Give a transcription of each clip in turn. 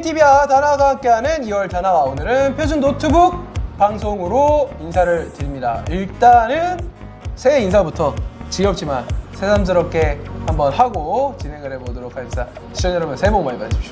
TV와 다나가 함께하는 2월 다나와 오늘은 표준 노트북 방송으로 인사를 드립니다. 일단은 새해 인사부터 지겹지만 새삼스럽게 한번 하고 진행을 해보도록 하겠습니다. 시청자 여러분 새해 복 많이 받으십시오.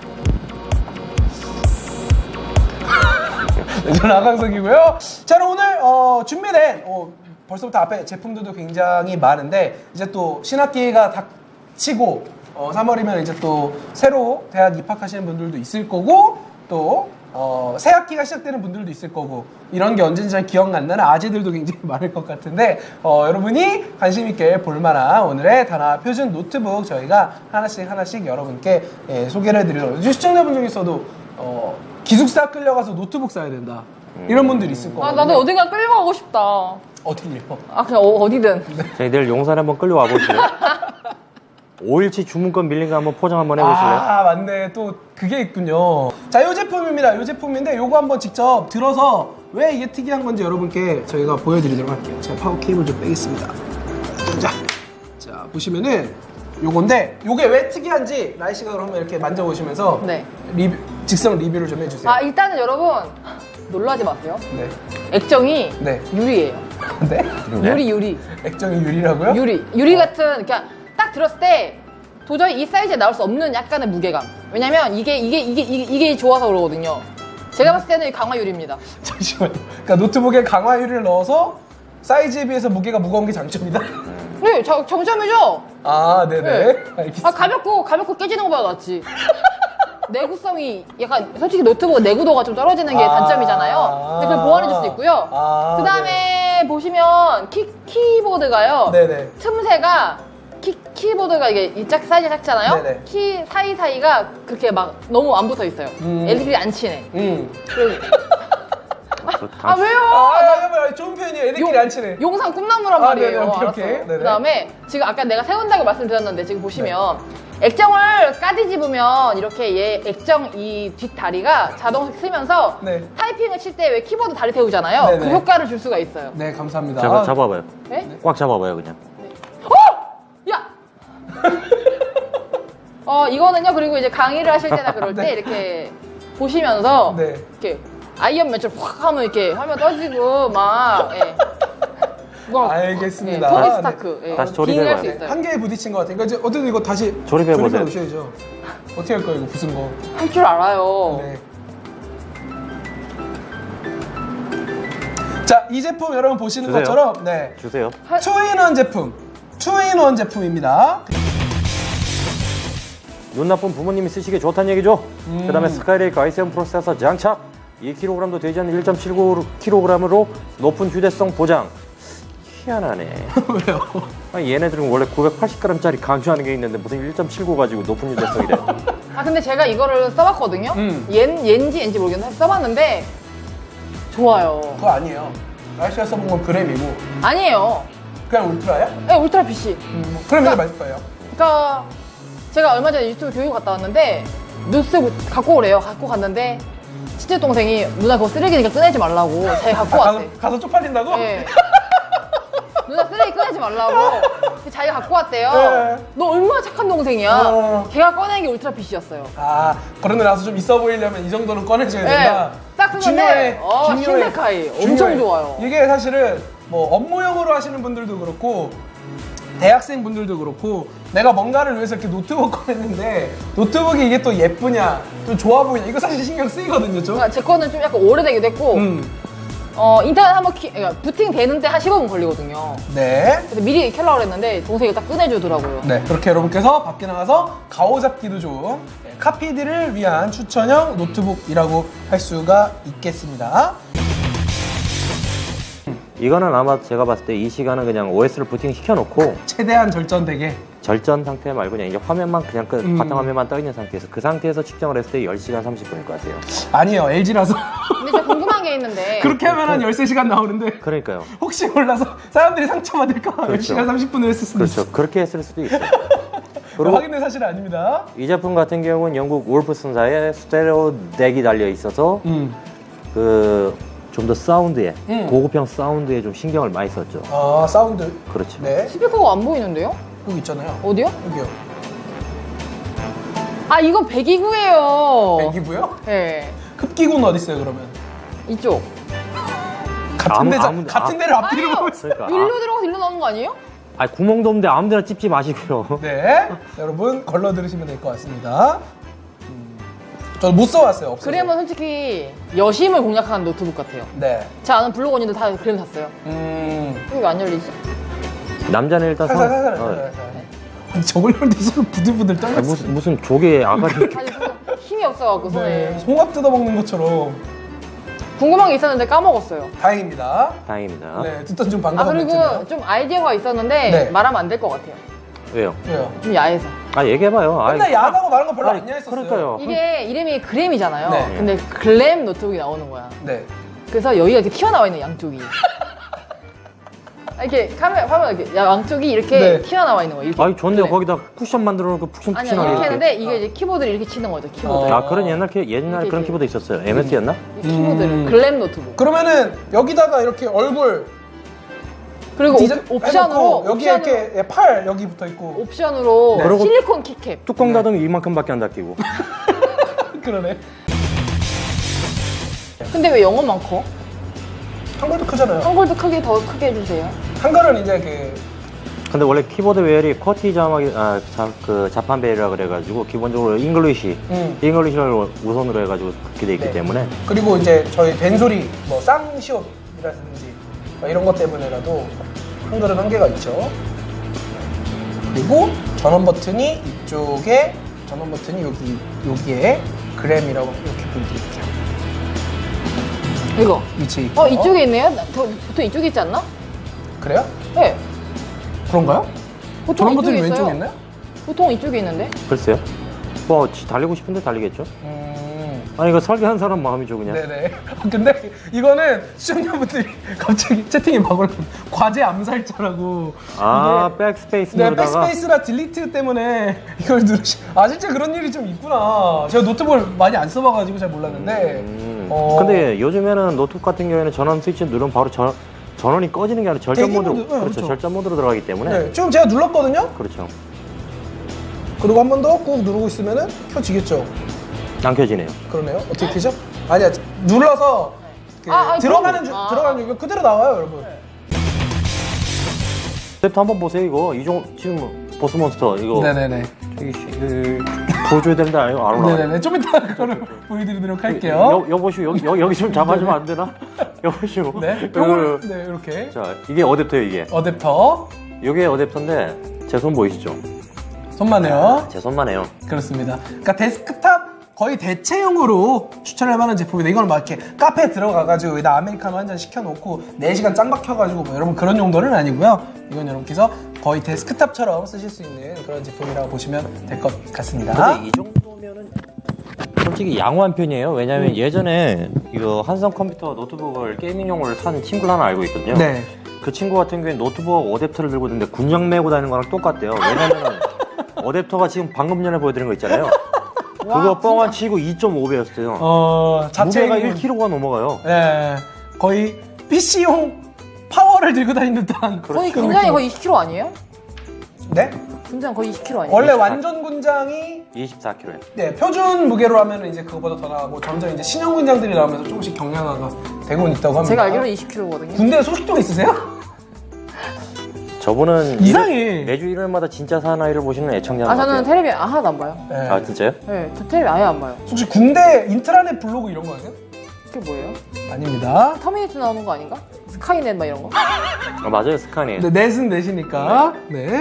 네, 저는 아강석이고요. 자, 그럼 오늘 준비된 벌써부터 앞에 제품들도 굉장히 많은데 이제 또 신학기가 닥치고 3월이면 이제 또 새로 대학 입학하시는 분들도 있을 거고 또 새 학기가 시작되는 분들도 있을 거고 이런 게 언제인지 잘 기억 안 나는 아재들도 굉장히 많을 것 같은데 여러분이 관심 있게 볼만한 오늘의 다나 표준 노트북 저희가 하나씩 여러분께 소개를 해드리도록 시청자분 중에서도 기숙사 끌려가서 노트북 사야 된다 이런 분들이 있을 거거든요. 아, 나도 어딘가 끌려가고 싶다. 어디요? 아, 그냥 어디든. 저희 내일 용산 한번 끌려와 보실래요? 5일치 주문권 밀린 거 한번 포장 한번 해보실래요? 아, 맞네. 또 그게 있군요. 자, 이 제품입니다. 이 제품인데 요거 한번 직접 들어서 왜 이게 특이한 건지 여러분께 저희가 보여드리도록 할게요. 제가 파워 케이블 좀 빼겠습니다. 자, 보시면은 요건데 요게 왜 특이한지 나이 씨가 그러면 이렇게 만져보시면서 네. 직성 리뷰를 좀 해주세요. 아, 일단은 여러분, 놀라지 마세요. 네. 액정이 네. 유리예요. 네? 유리. 액정이 유리라고요? 유리 같은, 그냥 딱 들었을 때 도저히 이 사이즈에 나올 수 없는 약간의 무게감. 왜냐면 이게 좋아서 그러거든요. 제가 봤을 때는 강화 유리입니다. 잠시만요. 그러니까 노트북에 강화 유리를 넣어서 사이즈에 비해서 무게가 무거운 게 장점이다. 네, 정점이죠? 아, 네네. 네. 알겠습니다. 아, 가볍고 깨지는 것보다 낫지. 내구성이 약간 솔직히 노트북 내구도가 좀 떨어지는 게 단점이잖아요. 근데 그걸 보완해 줄 수 있고요. 그 다음에 보시면 키보드가요. 네네. 틈새가 키보드가 이게 이 사이즈 작잖아요. 네네. 키 사이사이가 그렇게 막 너무 안 붙어 있어요. LED 안 치네. 그리고 아, 왜요? 아, 좋은 표현이에요. 애들끼리 안 치네. 용산 꿈나무란 아, 말이에요. 네네, 오케이, 알았어요. 오케이. 네네. 그다음에 지금 아까 내가 세운다고 말씀드렸는데 지금 보시면 액정을 까뒤집으면 이렇게 얘 액정 이 뒷다리가 자동 쓰면서 네. 타이핑을 칠 때 왜 키보드 다리 태우잖아요. 네네. 그 효과를 줄 수가 있어요. 네, 감사합니다. 잠깐 잡아봐요. 네? 꽉 잡아봐요 그냥. 야! 이거는요. 그리고 이제 강의를 하실 때나 그럴 때 네. 이렇게 보시면서 네. 이렇게 아이언맨처럼 확 하면 이렇게 화면 떠지고 막 뭐, 알겠습니다. 토니 네. 스타크. 예. 다시 빙의할 조립해봐요. 수 있어요. 한계에 부딪힌 것 같아요. 그러니까 이제 어쨌든 이거 다시 조립해보세요. 놓으셔야죠. 어떻게 할 거예요, 이거 부순 거? 할 줄 알아요. 네. 자, 이 제품 여러분 보시는 주세요. 것처럼 네. 주세요. 투인원 제품. 투인원 제품입니다. 눈 나쁜 부모님이 쓰시기에 좋다는 얘기죠. 그 다음에 스카이레이크 i7 프로세서 장착 2kg도 되지 않는 1.79kg으로 높은 휴대성 보장. 희한하네. 왜요? 아니, 얘네들은 원래 980g짜리 강조하는 게 있는데 무슨 1.79 가지고 높은 휴대성이래. 아, 근데 제가 이거를 써봤거든요. 옌지 모르겠는데 써봤는데 좋아요. 그거 아니에요. 날씨가 써본 건 그램이고 아니에요. 그냥 울트라야? 네, 울트라 PC. 그럼 이게 맞을 거예요. 그러니까 제가 얼마 전에 유튜브 교육 갔다 왔는데 뉴스 갖고 오래요. 갖고 갔는데 친제 동생이 누나 그거 쓰레기니까 꺼내지 말라고 자기가 갖고 왔대. 가서 쪽팔린다고? 네. 누나 쓰레기 꺼내지 말라고 자기가 갖고 왔대요. 네. 너 얼마나 착한 동생이야. 어. 걔가 꺼낸 게 울트라 PC였어요. 아, 그러고 나서 좀 있어 보이려면 이 정도는 꺼내줘야 된다. 딱 쓰는데 신데카이 엄청 좋아요. 이게 사실은 뭐 업무용으로 하시는 분들도 그렇고 대학생 분들도 그렇고 내가 뭔가를 위해서 이렇게 노트북 꺼냈는데 노트북이 이게 또 예쁘냐 좀 좋아 보이냐 이거 사실 신경 쓰이거든요 좀. 그러니까 제 거는 좀 약간 오래되기도 했고 인터넷 한번 그러니까 부팅 되는 때 한 15분 걸리거든요. 네. 그래서 미리 켜려고 했는데 동생이 딱 꺼내주더라고요. 네, 그렇게 여러분께서 밖에 나가서 가오잡기도 좋은 카피들을 위한 추천형 노트북이라고 할 수가 있겠습니다. 이거는 아마 제가 봤을 때 이 시간은 그냥 OS를 부팅 시켜놓고 최대한 절전되게. 절전 상태 말고 그냥 이제 화면만 그냥 바탕화면만 떠 있는 상태에서 그 상태에서 측정을 했을 때 10시간 30분일 것 같아요. 아니에요, LG라서. 근데 제가 궁금한 게 있는데 그렇게 하면 한 13시간 나오는데 그러니까요. 혹시 몰라서 사람들이 상처받을까 봐 그렇죠. 10시간 30분을 했을 수도 있어요. 그렇죠. 그렇게 했을 수도 있어요. 그리고 확인된 사실은 아닙니다. 이 제품 같은 경우는 영국 울프슨사의 스테레오 덱이 달려 있어서 그 좀 더 사운드에 고급형 사운드에 좀 신경을 많이 썼죠. 아, 사운드. 그렇죠. 네. 스피커가 안 보이는데요? 여기 있잖아요. 어디요? 여기요. 아 이건 배기구예요. 배기고요? 네. 흡기구는 어디 있어요 그러면? 이쪽. 같은 데를 앞뒤로 보고 있어요. 그러니까 일로 들어가서 일로 나오는 거 아니에요? 아니 구멍도 없는데 아무데나 찝지 마시고요. 네, 여러분 걸러 들으시면 될 것 같습니다. 저는 못 써왔어요. 없어서. 그램은 솔직히 여심을 공략하는 노트북 같아요. 네. 제 아는 블로그 언니들 다 그램 샀어요. 이거 왜 안 열리지? 남자는 일단 살살. 아니, 저걸로 내 손을 부들부들 떨렸어. 무슨 조개 아가리 아니 힘이 없어갖고 손에. 네, 송합 뜯어먹는 것처럼. 궁금한 게 있었는데 까먹었어요. 다행입니다. 다행입니다. 네, 듣던 좀 아 반가운 그리고 멘트네요. 좀 아이디어가 있었는데 네. 말하면 안 될 것 같아요. 왜요? 왜요? 좀 야해서. 아 얘기해봐요. 근데 야하다고 말한 거 별로 아니, 안 야했었어요. 그러니까요. 이게 이름이 그램이잖아요. 네. 근데 글램 노트북이 나오는 거야. 네. 그래서 여기가 이렇게 튀어나와 있는 양쪽이. 이렇게 카메라 화면 이렇게 양쪽이 이렇게 네. 튀어나와 있는 거예요. 이렇게. 아니 좋은데 네. 거기다 쿠션 만들어 놓고 아니요 푹신푹신하게 이렇게 했는데 이렇게. 이게 이제 키보드를 이렇게 치는 거죠. 키보드. 아 그런 옛날에 이렇게 그런 키보드 있었어요. MS였나? 이 키보드를 글램 노트북. 그러면은 여기다가 이렇게 얼굴 그리고 디자인 옵션으로 해놓고 여기에 이렇게 팔 여기 붙어 있고. 옵션으로 네. 그리고 실리콘 키캡. 뚜껑 닫으면 이만큼밖에 안 닫히고. 그러네. 근데 왜 영어만 커? 한글도 크잖아요. 한글도 크게 더 크게 해주세요. 한글은 이제 그 근데 원래 키보드 배열이 쿼티 자막이 자판 배열이라 그래가지고 기본적으로 잉글리시를 우선으로 해가지고 그렇게 돼 있기 네. 때문에 그리고 이제 저희 벤소리 뭐 쌍시옷이라든지 뭐 이런 것 때문에라도 한글은 한계가 있죠. 그리고 전원 버튼이 이쪽에 전원 버튼이 여기에 그램이라고 이렇게 보여드릴게요. 이거. 위치에 있고. 이쪽에 있네요? 보통 이쪽에 있지 않나? 그래요? 네. 그런가요? 보통 전원 버튼이 이쪽에 왼쪽에 있어요. 있나요? 보통 이쪽에 있는데? 글쎄요. 뭐 달리고 싶은데 달리겠죠. 아니 이거 설계한 사람 마음이죠 그냥. 네네. 근데 이거는 시청자분들이 갑자기 채팅에 막 올라 과제 암살자라고. 아 이게 백스페이스 네, 누르다가 백스페이스나 딜리트 때문에 이걸 누르시. 아 진짜 그런 일이 좀 있구나. 제가 노트북을 많이 안 써봐가지고 잘 몰랐는데. 근데 요즘에는 노트북 같은 경우에는 전원 스위치 누르면 바로 전원이 꺼지는 게 아니라 절전 대기 모드로 모드, 네, 그렇죠. 그렇죠. 절전 모드로 들어가기 때문에 네, 지금 제가 눌렀거든요. 그렇죠. 그리고 한 번 더 꾹 누르고 있으면은 켜지겠죠. 안 켜지네요. 그러네요. 어떻게 켜죠? 아니야, 눌러서 그 아니, 들어가는 그럼- 들어가는 중 그대로 나와요, 여러분. 랩터 한번 보세요 이거 지금 보스몬스터 이거 네네네. 저기 보여줘야 되는데 안 올라가. 네네네. 좀 이따 그거를 보여드리도록 할게요. 여보시오 여기 좀 잡아주면 안 되나? 여보시오. 네. 요걸 네 이렇게 자 이게 어댑터예요 이게. 어댑터 이게 어댑터인데 제 손 보이시죠? 손만해요. 제 손만 해요. 그렇습니다. 그러니까 데스크탑 거의 대체용으로 추천할 만한 제품인데 이걸 막 이렇게 카페에 들어가가지고 여기다 아메리카노 한 잔 시켜놓고 4시간 짱 박혀가지고 뭐 여러분 그런 용도는 아니고요. 이건 여러분께서 거의 데스크탑처럼 쓰실 수 있는 그런 제품이라고 보시면 될 것 같습니다. 근데 이 정도면은 솔직히 양호한 편이에요. 왜냐면 예전에 이거 한성 컴퓨터 노트북을 게이밍용으로 산 친구를 하나 알고 있거든요. 네. 그 친구 같은 경우에 노트북 어댑터를 들고 있는데 군장 메고 다니는 거랑 똑같대요. 왜냐면 어댑터가 지금 방금 전에 보여드린 거 있잖아요. 그거 뻥안 치고 2.5배였어요. 자체가 무게가 1kg가 넘어가요. 네. 거의 PC용 파워를 들고 다니는 듯한 거의 그런 군장이 느낌. 거의 20kg 아니에요? 네? 군장 거의 20kg 아니에요? 원래 24. 완전 군장이 24kg에. 네, 표준 무게로 하면 이제 그거보다 더 나가고 점점 이제 신형 군장들이 나오면서 조금씩 경량화가 되고는 있다고 합니다. 제가 알기로는 20kg거든요. 군대 소식통 있으세요? 저분은 이상해. 매주 일요일마다 진짜 사나이를 보시는 애청자 아 저는 같아요. 텔레비 하나도 안 봐요. 네. 아 진짜요? 네, 저 텔레비 아예 안 봐요. 혹시 군대 인트라넷 블로그 이런 거 아세요? 그게 뭐예요? 아닙니다. 터미네이터 나오는 거 아닌가? 스카이넷 막 이런 거? 아, 맞아요 스카니. 네, 넷은 넷이니까. 네.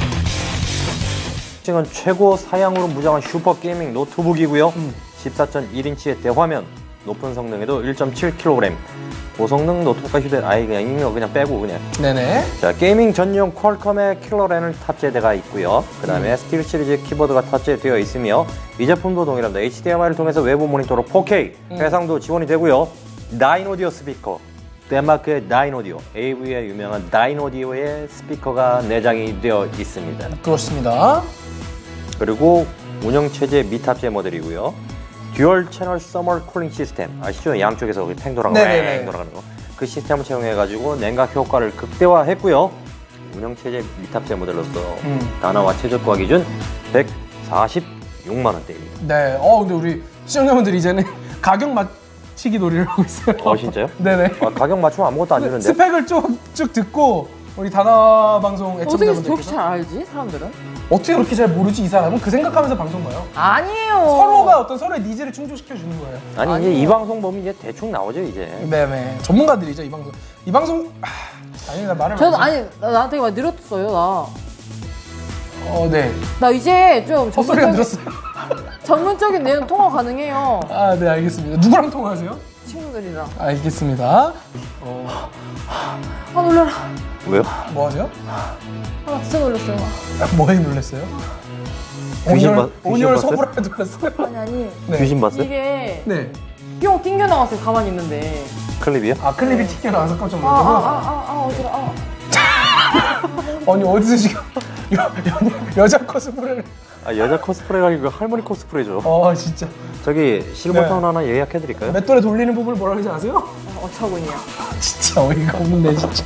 지금 최고 사양으로 무장한 슈퍼 게이밍 노트북이고요. 14.1인치의 대화면, 높은 성능에도 1.7kg. 고성능 노트북과 휴대 그냥 이거 그냥 빼고 그냥. 네네. 자 게이밍 전용 퀄컴의 킬러랜을 탑재되어 있고요. 그 다음에 스틸 시리즈 키보드가 탑재되어 있으며 이 제품도 동일합니다. HDMI를 통해서 외부 모니터로 4K 해상도 지원이 되고요. 다이노디오 스피커, 덴마크의 다이노디오, AV의 유명한 다이노디오의 스피커가 내장이 되어 있습니다. 그렇습니다. 그리고 운영체제 미탑재 모델이고요. 듀얼 채널 서머 쿨링 시스템 아시죠? 양쪽에서 팽 돌아가는 네네네. 돌아가는 거. 그 시스템을 채용해가지고 냉각 효과를 극대화했고요. 운영체제 미탑재 모델로서 단화와 최저가 기준 6만 원대입니다. 네. 근데 우리 시청자분들 이제는 가격 맞추기 놀이를 하고 있어요. 진짜요? 네네. 가격 맞추면 아무것도 안 주는데. 스펙을 쭉 듣고 우리 다나 방송 어떻게 애청자분들께서 저렇게 잘 알지 사람들은? 어떻게 그렇게 잘 모르지 이 사람은 그 생각하면서 방송 봐요. 아니에요. 서로가 어떤 서로의 니즈를 충족시켜 주는 거예요. 아니 이제 아니에요. 이 방송 보면 이제 대충 나오죠 이제. 네네. 전문가들이죠 이 방송. 이 방송 아니 나 말을 저도 많이 아니 나한테 많이 늘었어요 나. 네. 나 이제 좀 헛소리가 늘었어요. 전문적인 내용 통화 가능해요. 아, 네, 알겠습니다. 누구랑 통화하세요? 친구들이랑. 알겠습니다. 아 놀라라. 왜요? 뭐 하세요? 아 진짜 놀랐어요. 뭐에 놀랐어요? 귀신 온열 봤어요? 소불에 놀랐어요? 아니 네. 귀신 봤어요? 이게 네. 뿅 튕겨 나왔어요 가만히 있는데. 클립이요? 클립이 튀겨 나와서 깜짝 놀랐고. 어지러. 아니, 어디서 지금 여자 코스프레를. 여자 코스프레가 아니고 할머니 코스프레죠. 진짜. 저기 실버타운 하나 예약해드릴까요? 맷돌에 돌리는 부분을 뭐라 그러지 아세요? 어처구니야. 진짜 어이가 없는데, 진짜.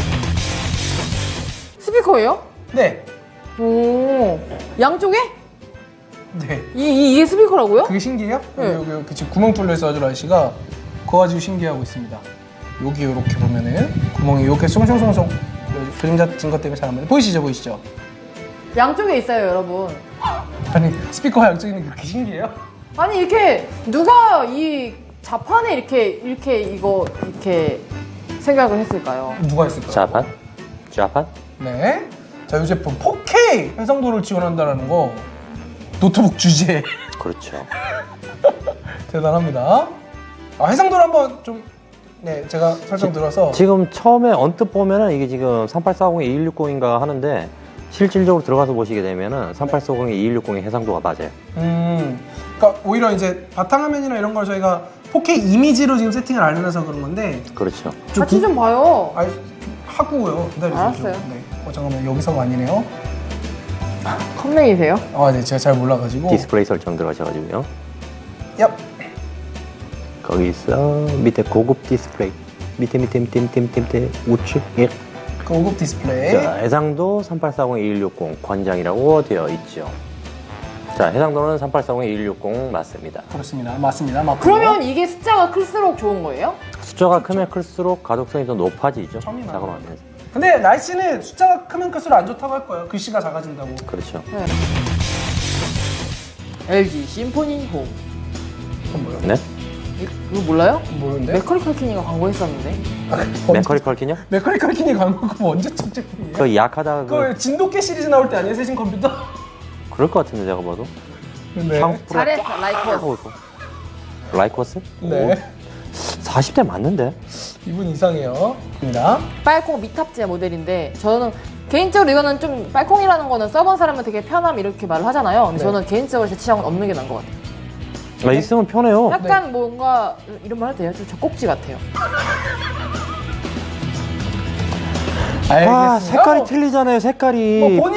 스피커예요? 네. 오 양쪽에? 네. 이게 스피커라고요? 그게 신기해요? 네. 여기 지금 구멍 뚫려 있어 가지고 아저씨가 그거 가지고 신기해하고 있습니다. 여기 이렇게 보면은 구멍이 이렇게 송송송송 그림자 진 것 때문에 잘 안 보여요. 보이시죠? 양쪽에 있어요 여러분. 아니 스피커 양쪽에 있는 게 그렇게 신기해요? 아니 이렇게 누가 이 자판에 이렇게 생각을 했을까요? 누가 했을까요? 자판? 네. 자, 이 제품 4K 해상도를 지원한다는 거 노트북 주제에 그렇죠. 대단합니다. 해상도를 한번 좀 제가 설정 들어서 지금 처음에 언뜻 보면은 이게 지금 3840에 2160인가 하는데 실질적으로 들어가서 보시게 되면은 3840에 2160의 해상도가 맞아요. 그러니까 오히려 이제 바탕화면이나 이런 걸 저희가 4K 이미지로 지금 세팅을 안 해놔서 그런 건데 그렇죠. 같이 좀 봐요. 하고요. 기다리세요. 알았어요. 네. 잠깐만 여기서가 아니네요. 컴맹이세요? 네, 제가 잘 몰라가지고. 디스플레이 설정 들어가셔가지고요. 얍. 거기서 밑에 고급 디스플레이 밑에 우측 고급 디스플레이. 자, 해상도 3840-2160 권장이라고 되어 있죠. 자, 해상도는 3840-2160 맞습니다. 그렇습니다. 맞습니다. 맞고요. 그러면 이게 숫자가 클수록 좋은 거예요? 숫자가 크면 클수록 가독성이 더 높아지죠. 처음이나. 작업하면서. 근데 날씨는 숫자가 크면 클수록 안 좋다고 할 거예요. 글씨가 작아진다고. 그렇죠. 네. LG 심포니 홈. 그건 뭐예요? 네? 이거 몰라요? 모르는데? 맥커리 칼키니가 광고했었는데. 맥커리 컬킨요? 맥커리 칼킨이 광고 그거 언제 첫 제품이에요? 그 약하다 그거 진돗개 시리즈 나올 때 아니에요? 세신 컴퓨터? 그럴 것 같은데 제가 봐도. 네. 샹스 프로 잘했어 라이커스. 하고 있고. 라이코스? 네. 40대 맞는데? 이분 이상해요. 입니다. 빨콩 미탑재 모델인데 저는 개인적으로 이거는 좀 빨콩이라는 거는 써본 사람은 되게 편함 이렇게 말을 하잖아요. 근데 네. 저는 개인적으로 제 취향은 없는 게 나은 것 같아요. 있으면 편해요. 약간 뭔가 이런 말 해도 돼요? 좀 젖꼭지 같아요. 알겠습니다. 색깔이 틀리잖아요, 색깔이. 뭐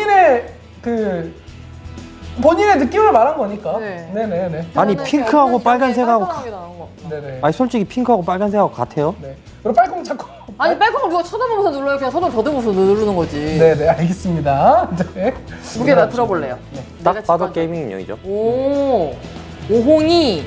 본인의 느낌을 말한 거니까. 네. 네네네. 아니, 저는 핑크하고 없는 빨간색하고 깔끔하게 나온 거. 네네. 아니, 솔직히 핑크하고 빨간색하고 같아요. 네. 그럼 빨콩 찾고. 아니 빨콩을 누가 쳐다보면서 눌러요? 그냥 손을 더듬어서 누르는 거지. 네네 알겠습니다. 네. 무게 나 들어볼래요. 딱 내가 봐도 직관- 게이밍 인형이죠. 오 오홍이.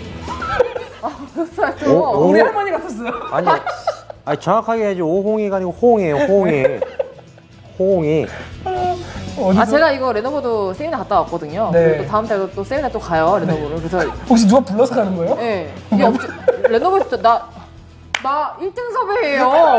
오, 우리 할머니 같았어요. 아니 정확하게 해야지. 오홍이가 아니고 호홍이에요, 호홍이. 호홍이. 어디서? 아 제가 이거 레노버도 세미나 갔다 왔거든요. 네. 그리고 또 다음 달도 또 세미나 또 가요 레노버를. 그래서 혹시 누가 불러서 가는 거예요? 예 이게 없지. 레노버에서 나 1등 섭외예요.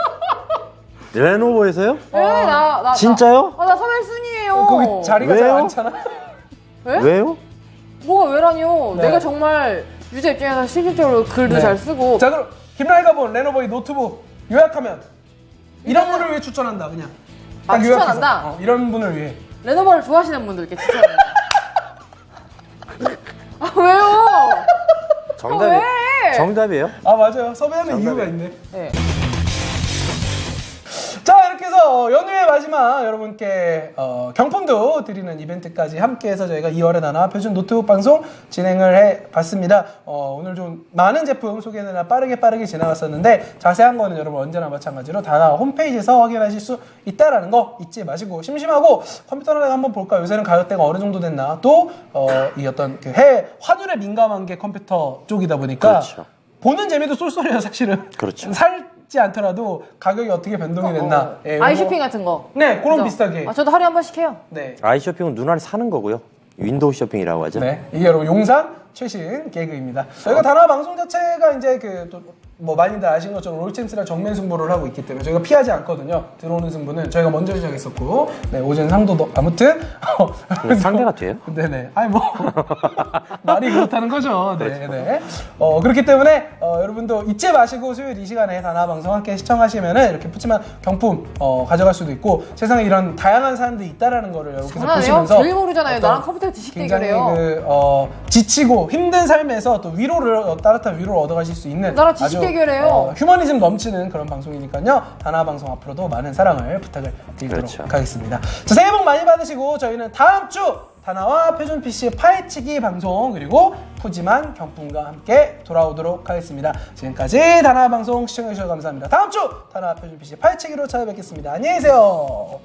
레노버에서요? 나 진짜요? 나 섭외 순이에요. 거기 자리가 잘 왜요? 안 차나? 왜? 왜요? 뭐가 왜라뇨? 네. 내가 정말 유저 입장에서 실질적으로 글도 네. 잘 쓰고. 자 그럼 김라이가 본 레노버의 노트북 요약하면 이런 분을 위해 추천한다 그냥. 아, 딱 요약해서. 추천한다? 이런 분을 위해. 레노버를 좋아하시는 분들께 추천합니다. 아 왜요? 정답이, 왜? 정답이에요? 아 맞아요. 섭외하는 정답이에요. 이유가 있네. 네. 자 이렇게 해서 연휴의 마지막 여러분께 경품도 드리는 이벤트까지 함께해서 저희가 2월에 다나 표준 노트북 방송 진행을 해봤습니다. 오늘 좀 많은 제품 소개는 빠르게 지나갔었는데 자세한 거는 여러분 언제나 마찬가지로 다나 홈페이지에서 확인하실 수 있다라는 거 잊지 마시고, 심심하고 컴퓨터를 한번 볼까, 요새는 가격대가 어느 정도 됐나, 또 이 어떤 그 해외 환율에 민감한 게 컴퓨터 쪽이다 보니까 그렇죠. 보는 재미도 쏠쏠해요 사실은. 그렇죠. 살지 않더라도 가격이 어떻게 변동이 됐나. 예, 요거- 아이쇼핑 같은 거. 네, 그런 그죠? 비슷하게. 저도 하루에 한 번씩 해요. 네. 아이쇼핑은 눈알 사는 거고요. 윈도우 쇼핑이라고 하죠. 네, 이게 여러분 용산 최신 개그입니다. 저희가 다나 방송 자체가 이제 뭐 많이들 아신 것처럼 롤챔스랑 정면 승부를 하고 있기 때문에 저희가 피하지 않거든요. 들어오는 승부는 저희가 먼저 시작했었고, 네, 오전 상도도 아무튼 근데 상대가 돼요? 네네. 아니 뭐 말이 그렇다는 거죠. 네네. 그렇기 때문에 여러분도 잊지 마시고 수요일 이 시간에 다나 방송 함께 시청하시면은 이렇게 푸짐한 경품 가져갈 수도 있고, 세상에 이런 다양한 사람들이 있다라는 거를 여러분께서 장난해요? 보시면서 제일 모르잖아요. 어떤 나랑 컴퓨터 지식 굉장히 대결해요. 지치고 힘든 삶에서 또 위로를 따뜻한 위로를 얻어가실 수 있는 나랑 지식 아주, 대결해요. 휴머니즘 넘치는 그런 방송이니까요. 다나 방송 앞으로도 많은 사랑을 부탁을 드리도록 그렇죠. 하겠습니다. 자, 새해 복 많이 받으시고 저희는 다음 주 다나와 표준 PC의 파헤치기 방송, 그리고 푸짐한 경품과 함께 돌아오도록 하겠습니다. 지금까지 다나 방송 시청해주셔서 감사합니다. 다음 주 다나 표준 PC 파헤치기로 찾아뵙겠습니다. 안녕히 계세요.